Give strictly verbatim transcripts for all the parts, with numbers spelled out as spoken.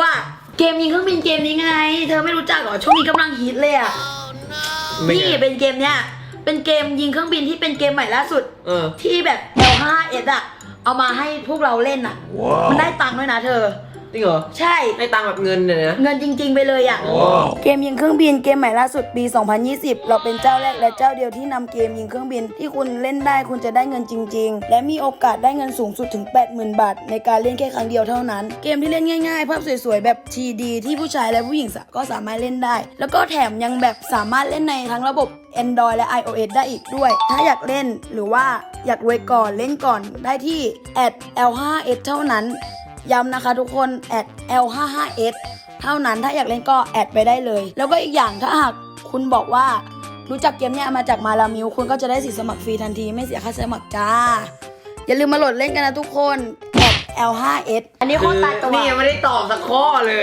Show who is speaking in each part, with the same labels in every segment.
Speaker 1: อ่ะเกมยิงเครื่องบินเกมนี้ไง เธอไม่รู้จักเหรอช่วงนี้กำลังฮิตเลยอ่ะ
Speaker 2: ไม่
Speaker 1: นี่
Speaker 2: ไง
Speaker 1: เป็นเกมเนี้ยเป็นเกมยิงเครื่องบินที่เป็นเกมใหม่ล่าสุด
Speaker 2: เออ
Speaker 1: ที่แบบ แอล ไฟว์ เอส อ่ะเอามาให้พวกเราเล่นอ่ะ มันได้ตังค์ด้วยนะเธอ
Speaker 2: จริงเหรอ
Speaker 1: ใช่
Speaker 2: ให้ตังค์แบบเงินเนี่ยนะ
Speaker 1: เงินจริงๆไปเลยอ่ะ เกมยิงเครื่องบินเกมใหม่ล่าสุดปี สองพันยี่สิบ เราเป็นเจ้าแรกและเจ้าเดียวที่นำเกมยิงเครื่องบินที่คุณเล่นได้คุณจะได้เงินจริงๆ และมีโอกาสได้เงินสูงสุดถึง แปดหมื่น บาทในการเล่นแค่ครั้งเดียวเท่านั้น เกมที่เล่นง่ายๆ ภาพสวยๆ แบบ ที ดี ที่ผู้ชายและผู้หญิงก็สามารถเล่นได้ แล้วก็แถมยังแบบสามารถเล่นในทั้งระบบ Android และ iOS ได้อีกด้วย ถ้าอยากเล่นหรือว่าอยากรวยก่อนเล่นก่อนได้ที่ แอท แอล ไฟว์ เอส เท่านั้น ย้ำนะคะทุกคน แอท แอล ไฟว์ เอส เท่านั้นถ้าอยากเล่นก็แอดไปได้เลย แล้วก็อีกอย่างถ้าหากคุณบอกว่ารู้จักเกมเนี้ยมาจากมาลามิวคุณก็จะได้สิทธิ์สมัครฟรีทันทีไม่เสียค่าสมัครจ้า อย่าลืมมาโหลดเล่นกันนะทุกคน แอท แอล ไฟว์ เอส อันนี้โคตรตายตัว
Speaker 2: นี่ยังไม่ได้ตอบสักข้อเลย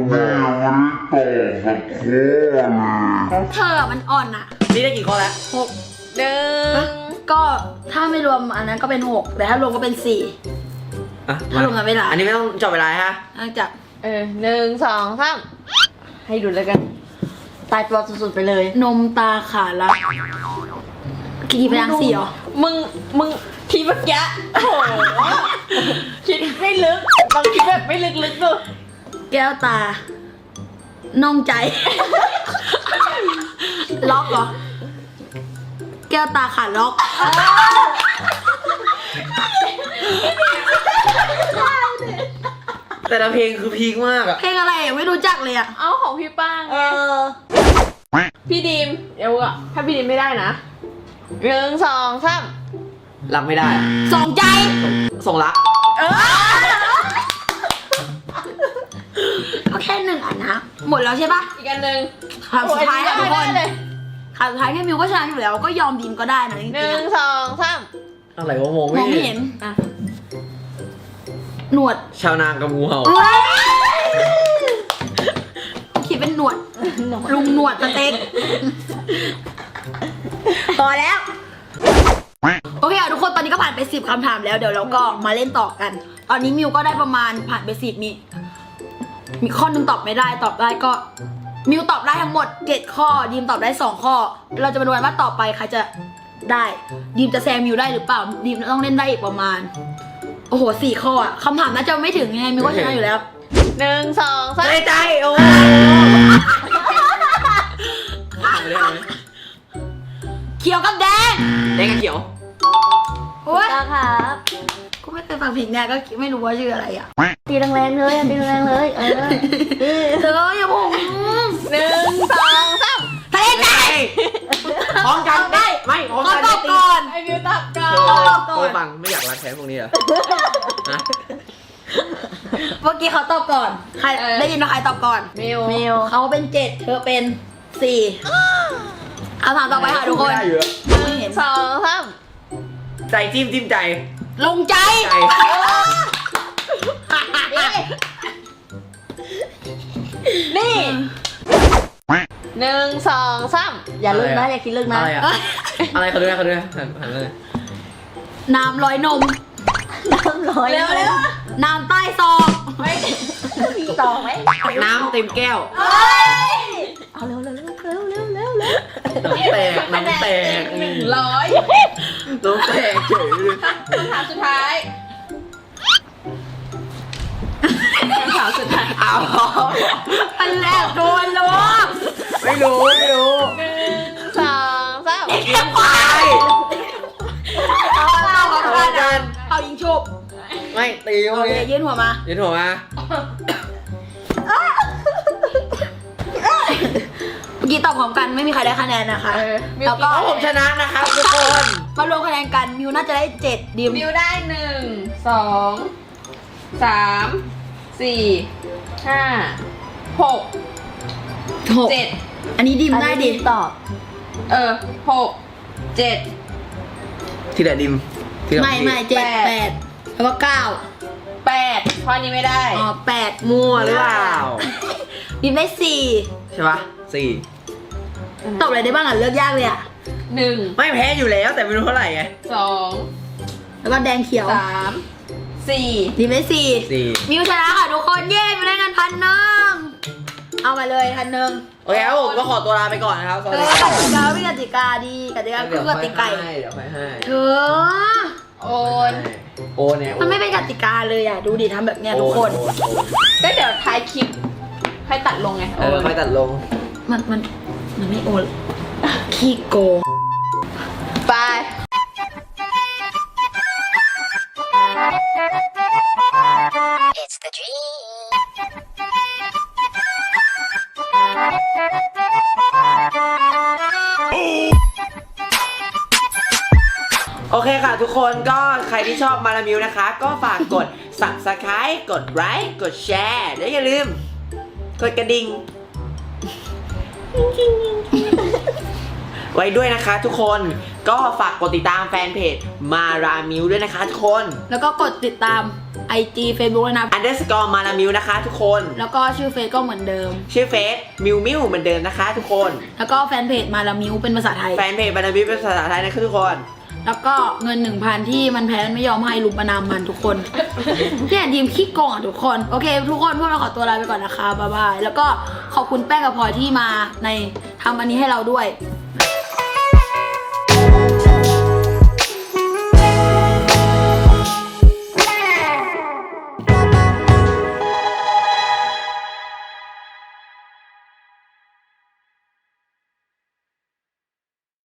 Speaker 1: เธอมันอ่อนอ่ะ
Speaker 2: นี่ได้กี่ข้อแล้ว
Speaker 1: หก
Speaker 3: หนึ่ง
Speaker 1: ก็ถ้าไม่รวมอันนั้นก็เป็นหกแต่ถ้ารวมก็เป็นสี่
Speaker 2: อ่ะ
Speaker 1: ถ้ารวมกับเวลา
Speaker 2: อันนี้ไม่ต้องจับเวลาฮะ
Speaker 1: หลังจาก
Speaker 3: เออหนึ่งสองสามให้ดูแล้วกัน ตายตัวสุดๆไปเลย
Speaker 1: นมตาขาละกี่พยางค์สี่เหรอ
Speaker 3: มึง มึงคิดเมื่อกี้โอ้โหคิดไม่ลึกลองคิดแบบไม่ลึกๆดู
Speaker 1: แก้วตา น่องใจ ล็อกเหรอ แก้วตาขาดล็อก
Speaker 2: แต่ละเพลงคือพีคมากอะ
Speaker 1: เพลงอะไรอ่ะไม่รู้จักเลยอ่ะ
Speaker 3: เอาของพี่ป้าง
Speaker 1: เออ
Speaker 3: พี่ดีมเดี๋ยวอะถ้าพี่ดีมไม่ได้นะหนึ่งสองสาม
Speaker 2: รับไม่ได้อะ
Speaker 1: สองใจ
Speaker 2: ส่งรัก
Speaker 1: เออก็แค่หนึ่งอันนะ หมดแล้วใช่ปะ
Speaker 3: อีกอันหนึ่ง
Speaker 1: คำสุดท้ายค่ะทุกคน
Speaker 3: ได้เลย
Speaker 1: คำสุดท้ายพี่มิวก็ชนะอยู่แล้ว ก็ยอมดีมก็ได้นะจริง
Speaker 3: หนึ่
Speaker 1: ๆ
Speaker 3: ง
Speaker 1: อะ
Speaker 3: สองสาม
Speaker 2: อะไรวะมอง
Speaker 1: ม
Speaker 2: ไม่
Speaker 1: องไม่
Speaker 2: เห็
Speaker 1: เห็
Speaker 2: น
Speaker 1: น
Speaker 3: อ่ะ
Speaker 1: หนวด
Speaker 2: ชาวนางกับงูเห่า
Speaker 1: เอ้ยคิดเป็นหนวด ลุงหนวดสเต็กพอแล้ว โอเคอ่ะทุกคนตอนนี้ก็ผ่านไปสิบคำถามแล้วเดี๋ยวเราก็มาเล่นต่อกัน ตอนนี้มิวก็ได้ประมาณผ่านไปสิบมี มีข้อหนึงตอบไม่ได้ตอบได้ก็มิวตอบได้ทั้งหมดเจ็ดข้อดีมตอบได้สองข้อ เราจะมาดูกันว่าต่อไปใครจะได้ดีมจะแซงมิวได้หรือเปล่าดีมต้องเล่นได้อีกประมาณ โอ้โหสี่ข้ออะคำถามน่าจะไม่ถึงยังไงมิวก็ชนะอยู่แล้ว
Speaker 3: หนึ่งสองสาม
Speaker 2: ใจใจโอ้เอาเลยเอาเลย
Speaker 1: เขียวกับแดง
Speaker 2: แดงกับเขียว
Speaker 1: โอ้ย
Speaker 3: ตาครับ
Speaker 1: กูไม่เคยฟังเพลงเนี่ยก็ไม่รู้ว่าชื่ออะไรอ่ะ
Speaker 3: ตีแรงๆเลยตีแรงๆเลยเออ
Speaker 1: เธออย่าพูด
Speaker 3: หนึ่งสองสาม
Speaker 1: ทะเลใจ
Speaker 2: พร้อมกันได้ไม่พร้อม
Speaker 1: ขอ
Speaker 2: กัน
Speaker 1: ตอบก่อน
Speaker 3: ไอวิวตับก่อ
Speaker 2: เธอน เธอฟังไม่อยากรักแท้พวกนี้เหรอฮะ
Speaker 1: เมื่อกี้เขาตอบก่อนใครได้ยินว่าใครตอบก่อน
Speaker 3: มิว
Speaker 1: มิวเขาเป็นเจ็ดเธอเป็นสี่เอาถามต่อไปค่ะทุกคน
Speaker 2: ไม่ได้อยู่อะ
Speaker 1: ไม่เห็น
Speaker 3: สองสาม
Speaker 2: ใจจิ้มจิ้มใจ
Speaker 1: ลงใจ
Speaker 2: ใจ
Speaker 3: นี่หนึ่งสองสามอย่าลึกนะอย่าคิดลึกนะ
Speaker 2: อะไรอะอะไรเขาดูนะเขาดูนะหันหันเลย
Speaker 1: น้ำร้อยนม
Speaker 3: น้ำร้อย
Speaker 1: เร็วเร็วน้ำใต้ซอง
Speaker 3: ไม่มีต่อไหม
Speaker 2: น้ำเต็มแก้ว
Speaker 3: เอาเร็วเร็วเร็วเร็วเร็วเร็วเร็ว
Speaker 2: น้ำแตกน้ำแตก
Speaker 3: หนึ่งร้อย
Speaker 2: น้ำแตกเฉยเลย
Speaker 3: คำถามสุดท้ายคำถามสุดท้าย
Speaker 2: เอา
Speaker 1: อันแรกโดนลวง
Speaker 2: ไม่รู้ไม่รู้
Speaker 3: หนึ่งสองสาม
Speaker 2: กินไป
Speaker 1: เอาเรา
Speaker 2: เอากัน
Speaker 1: เอายิงชุบ
Speaker 2: ไม่ตี
Speaker 1: โอ
Speaker 2: โอ
Speaker 1: เค
Speaker 2: เค
Speaker 1: ยื่นหัวมา
Speaker 2: ยืนหัวมา
Speaker 1: เมื่อกี้ตอบพร้อมกันไม่มีใครได้คะแนนนะคะ แล้วก็
Speaker 2: เพราะผมชนะนะครับทุกคน
Speaker 1: มารวมคะแนนกันมิวน่าจะได้เจ็ดดิม
Speaker 3: มิวได้หนึ่งสองสามสี่ห้าหก
Speaker 1: หก
Speaker 3: เจ็ด
Speaker 1: อันนี้ดิมได้ดิ
Speaker 3: ตอบ เออหกเจ็ด
Speaker 2: ทีละดิมทีละ
Speaker 1: ไม่ไม่เจ็ด
Speaker 3: แปด
Speaker 1: แปดแล้วก็เก้า
Speaker 3: แปดข้อนี้ไม่ได้
Speaker 1: อ๋อแปด
Speaker 2: มั่วหรือเปล่า
Speaker 1: ดิมได้สี่
Speaker 2: ใช่ปะสี่
Speaker 1: ตอบอะไรได้บ้างอ่ะเลือกยากเลยอ่ะ
Speaker 3: หนึ่ง
Speaker 2: ไม่แพ้อยู่แล้วแต่ไม่รู้เท่าไหร่ไง
Speaker 3: สอง
Speaker 1: แล้วก็แดงเขียว
Speaker 3: สามสสี่
Speaker 1: ทีมได้สี่
Speaker 2: สี่
Speaker 1: มิวชนะค่ะทุกคนเย้มิวได้เงินพันหนึ่งเอามาเลยพันหนึ่ง
Speaker 2: โอเคครับผมก็ขอตัวลาไปก่อนนะครับสวัส
Speaker 1: เอ
Speaker 2: ดี
Speaker 1: อก
Speaker 2: ครับ
Speaker 1: ติกาไม่กติกาดีกติกาคือกติกา
Speaker 2: เดี๋ยวไปให้
Speaker 1: เธอ
Speaker 3: โอน
Speaker 2: โอนเนี่ย
Speaker 1: มันไม่เป็นกติกาเลยอ่ะดูดิทำแบบเนี้ยทุกคน
Speaker 2: โอนโอน
Speaker 3: ก็เดี๋ยวท้ายคลิปให้ตัดลงไง
Speaker 2: เออไม่ตัดลง
Speaker 1: มันมันมันไม่โอนขี้โกง
Speaker 3: ไป
Speaker 4: It's the dream.
Speaker 2: โอเคค่ะทุกคนก็ใครที่ชอบมาลามิวนะคะ ก็ฝากกด subscribe กดไลค์กดแชร์และอย่าลืม กดกระดิ่ง ไว้ด้วยนะคะทุกคนก็ฝากกดติดตามแฟนเพจมารามิวด้วยนะคะทุกคน
Speaker 1: แล้วก็กดติดตาม ไอ จี Facebook ด้วยนะ
Speaker 2: underscore มารามิวนะคะทุกคน
Speaker 1: แล้วก็ชื่อเฟซก็เหมือนเดิม
Speaker 2: ชื่อเฟซมิวมิวเหมือนเดิมนะคะทุกคน
Speaker 1: แล้วก็แฟนเพจมาละมิวเป็นภาษาไทย
Speaker 2: แฟนเพจมารามิวเป็นภาษาไทยนะคะทุกคน
Speaker 1: แล้วก็เงินหนึ่งพันที่มันแพ้มันไม่ยอมให้ลุมประนามมันทุกคน เนี่ยทีมขี้โกงอ่ะทุกคน โอเค ทุกคนพวกเราขอตัวลาไปก่อนนะคะบ๊ายบาย แล้วก็ขอบคุณแป้งกับพลอยที่มาในทำอันนี้ให้เราด้วย